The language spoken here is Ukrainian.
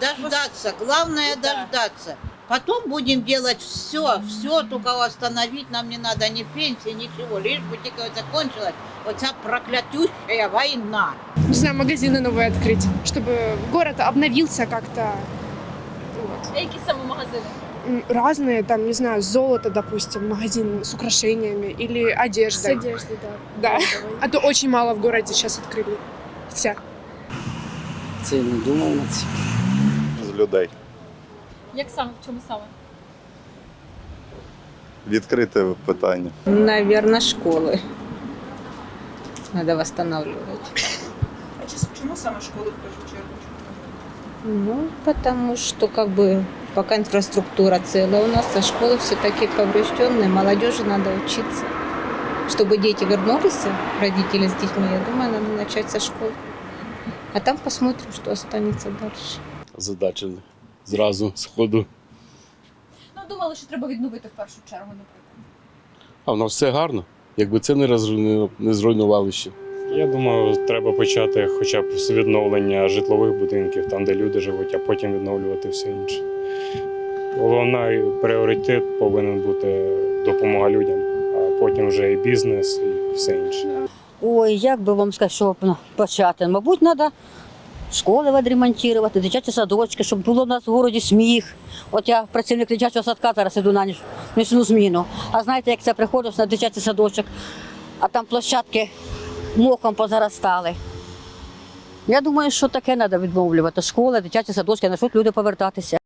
дождаться. Главное дождаться. Потом будем делать все, только остановить нам не надо ни пенсии, ничего. Лишь бы только закончилась вот эта проклятющая война. Не знаю, магазины новые открыть, чтобы город обновился как-то. Вот. Які саме магазини? Разные, там, не знаю, золото, допустим, магазин с украшениями или одеждой. одеждою, так. Да. А то очень мало в городе сейчас открыли. Вся. Це я не думав на це. З людей. Як саме, в чому саме? Відкрите питання. Наверное, школы. Надо восстанавливать. А чому саме школи в першу чергу? Ну, потому что как бы пока инфраструктура целая у нас, а школы все-таки поврежденные, молодежи надо учиться. Чтобы дети вернулись, родители с детьми, я думаю, надо начать со школы. А там посмотрим, что останется дальше. Задачили зразу з ходу. Ну, думали, що треба відновити в першу чергу, наприклад. А в нас все гарно. Якби це не зруйнували ще. Я думаю, треба почати хоча б з відновлення житлових будинків, там, де люди живуть, а потім відновлювати все інше. Головний пріоритет повинен бути допомога людям, а потім вже і бізнес, і все інше. Ой, як би вам сказати, що почати? Мабуть, треба школи відремонтувати, дитячі садочки, щоб було в нас в місті сміх. От я працівник дитячого садка, зараз іду на нічну зміну. А знаєте, як це приходиш на дитячий садочок, а там площадки мохом позаростали. Я думаю, що таке треба відновлювати. Школи, дитячі садочки, на що люди повертатися.